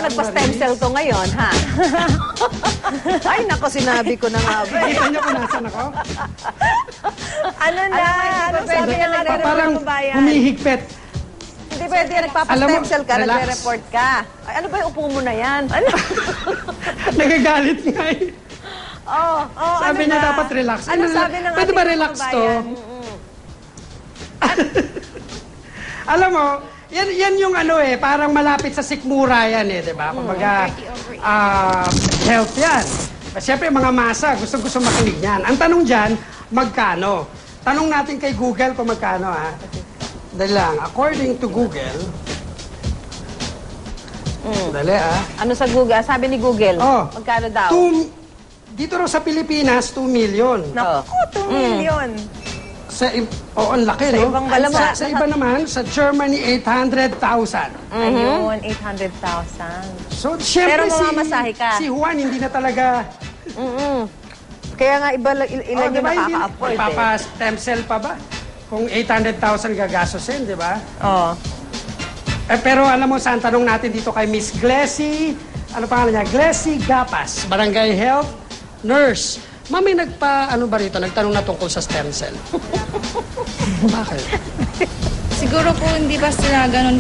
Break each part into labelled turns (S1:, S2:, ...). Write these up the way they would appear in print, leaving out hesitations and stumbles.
S1: nagpa-stem cell ko ngayon, ha? Ay, nako, sinabi ko na nga ba.
S2: Kita niyo kung nasan ako?
S3: Ano na? Ano sabi na natin
S2: Parang
S3: ng bayan?
S2: humihigpit.
S1: Hindi pwede, nagpapa-stem cell ka,
S2: relax.
S1: nagre-report ka. Ay, ano ba yung upo mo na yan? Ano?
S2: Nagagalit nga eh.
S1: Oh,
S2: Sabi niya dapat relax.
S3: Ano sabi ng
S2: pwede
S3: ating
S2: ba relax
S3: mga
S2: to?
S3: kabayan?
S2: Alam mo, yan yung ano eh, parang malapit sa sikmura yan eh, di ba? Kumbaga, health yan. Siyempre, mga masa, gusto makinig yan. Ang tanong dyan, magkano? Tanong natin kay Google kung magkano, ha? Dali lang, according to Google, dali,
S1: Ano sa Google? Sabi ni Google, magkano daw?
S2: Dito raw sa Pilipinas, 2 million.
S3: Naku, 2 million.
S2: Ang laki, no?
S3: ibang bansa.
S2: Sa iba naman, sa Germany, 800,000.
S3: Ayun, 800,000.
S2: So, siyempre,
S1: Pero mamamasahe ka.
S2: si Juan, hindi na talaga...
S1: Kaya nga ilan yung
S2: diba,
S1: nakaka-afford eh.
S2: Papa-stem cell pa ba? Kung 800,000 gagastusin, di ba?
S3: Oh.
S2: Pero alam mo, saan tanong natin dito kay Miss Glessy, ano pangalan niya? Glessy Gapas, Barangay Health Nurse. Mami, ano ba rito? Nagtanong na tungkol sa stem cell. Bakit?
S4: Siguro po hindi ba sila ganun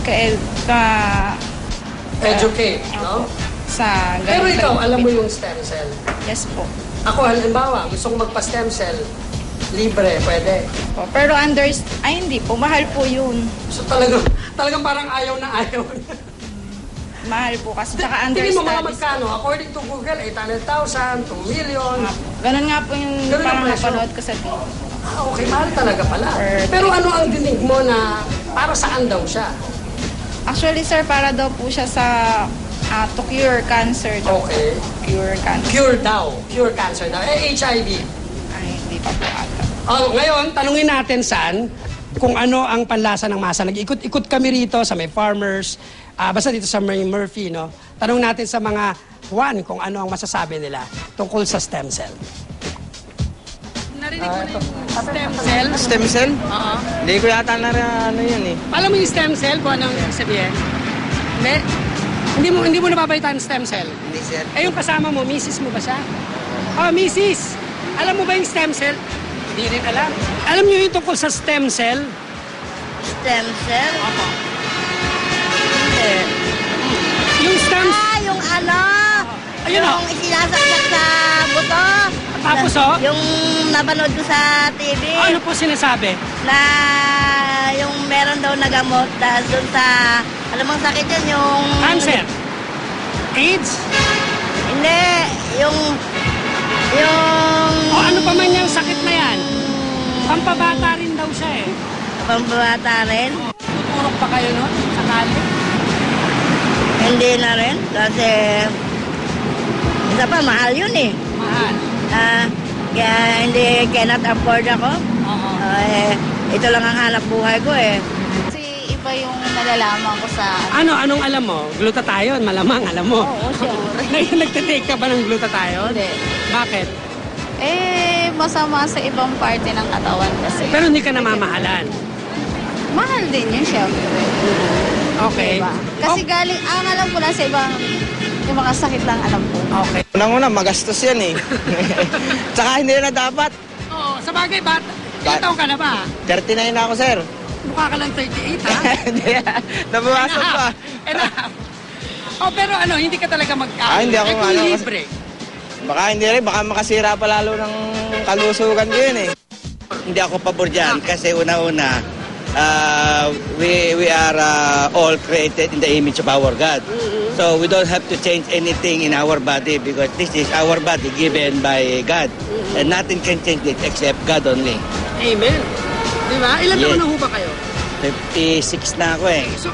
S2: Educate, no?
S4: sa
S2: Pero
S4: ganun.
S2: ikaw, alam mo yung stem cell.
S4: Yes po.
S2: Ako, halimbawa, gusto kong magpa-stem cell, libre, pwede.
S4: Po. Pero hindi po, mahal po yun.
S2: So talagang parang ayaw na ayaw.
S4: Mahal po kasi tsaka
S2: Tingin mo mga
S4: understudies.
S2: magkano? According to Google, 800,000, 2 million.
S4: Ganun nga po yung
S2: Ganun ang
S4: parang
S2: presyo.
S4: napanood ko sa TV.
S2: Okay, mahal talaga pala. Pero ano ang dinig mo na para saan daw siya?
S4: Actually, sir, para daw po siya sa to cure cancer daw.
S2: Okay.
S4: Cure cancer.
S2: Cure daw. Cure cancer daw. HIV.
S4: Ay, hindi pa po ata.
S2: Ngayon, tanungin natin saan kung ano ang panlasa ng masa. Nag-ikot-ikot kami rito sa may farmers, basta dito sa may Murphy, no? Tanong natin sa mga Juan kung ano ang masasabi nila tungkol sa stem cell. Narinig ko na yung stem cell.
S5: Stem cell? Oo. Hindi ko yata ano yun eh.
S2: Alam mo yung stem cell kung anong sabihin? Hindi mo napapalitan ang stem cell.
S5: Hindi sir.
S2: Eh yung kasama mo, misis mo ba siya? Misis! Alam mo ba yung stem cell? Hindi rin alam. Alam niyo yung tungkol sa stem cell?
S6: Stem cell?
S2: Opo. Yung stem...
S6: Yung ano?
S2: Ayun
S6: yung isinasaksak sa buto?
S2: Tapos
S6: Yung napanood ko sa TV.
S2: Ano po sinasabi?
S6: Na yung meron daw na gamot dahil dun sa, alam mong sakit yun, yung...
S2: Cancer. AIDS.
S6: Hindi, yung...
S2: O ano pa man yung sakit na yan? Pampabata rin daw siya eh.
S6: Pambata rin.
S2: Tuturok pa kayo nun? Sakali?
S6: Hindi na rin. Kasi, isa pa, mahal yun eh.
S2: Mahal.
S6: Kaya hindi, cannot afford ako.
S2: Oo.
S6: Ito lang ang hanap buhay ko eh.
S4: Kasi iba yung nalalaman ko sa...
S2: Anong alam mo? Glutathione, malamang alam mo.
S4: Oo, sure.
S2: Nagtitake ka ba ng glutathione?
S4: Hindi.
S2: Bakit?
S4: Masama sa ibang parte ng katawan kasi.
S2: Pero hindi ka namamahalan.
S4: Mahal din yun, syempre.
S2: Okay.
S4: Diba? Kasi galing, ang alam ko lang sa ibang, yung mga sakit lang alam ko.
S2: Okay.
S5: Unang-una, magastos yan eh. Tsaka hindi na dapat.
S2: Oo, sa bagay, ilang taong ka na ba?
S5: 39 na ako sir.
S2: Mukha ka lang 38, ha?
S5: Hindi, nabawasan pa.
S2: Enough. Pero hindi ka talaga
S5: Hindi ako
S2: kung
S5: ano.
S2: libre.
S5: Baka hindi rin, baka makasira pa lalo ng kalusugan ko yun eh. Hindi ako pabor dyan kasi una-una, we are all created in the image of our God. So we don't have to change anything in our body because this is our body given by God. And nothing can change it except God only.
S2: Amen. Di ba? Ilan taon na ho ba kayo?
S5: 56 na ako eh.
S2: So,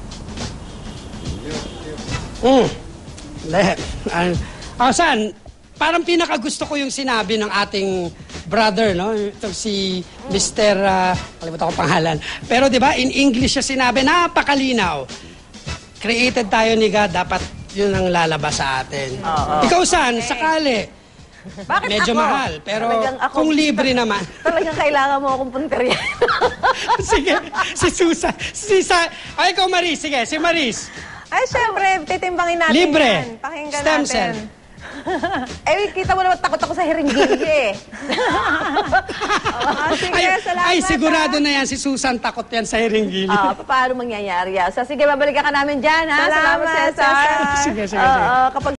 S2: saan? Parang pinakagusto ko yung sinabi ng ating brother, no? Ito si Mr. Kalimutan ko pangalan. Pero di ba, in English siya sinabi, napakalinaw. Created tayo ni God, dapat yun ang lalabas sa atin. Ikaw saan? Sakali.
S1: Bakit
S2: Medyo
S1: ako?
S2: mahal, pero
S1: Talagang ako-
S2: kung libre naman.
S1: Talagang kailangan mo akong punteriyan.
S2: Sige, si Susan. Ikaw Maris, sige, si Maris.
S3: Ay, syempre, titimbangin natin
S2: Libre.
S3: yan. Pakinggan
S2: Stem
S3: natin.
S2: cell.
S3: Kita mo naman takot ako sa hiringgilyo eh. Sige, salamat.
S2: Ay, sigurado na yan. Si Susan takot yan sa hiringgili.
S1: Paano mangyayari yan? So, sige, babalikan ka namin dyan, ha?
S3: Salamat,
S1: Cesar.
S2: Sige.
S1: Kapag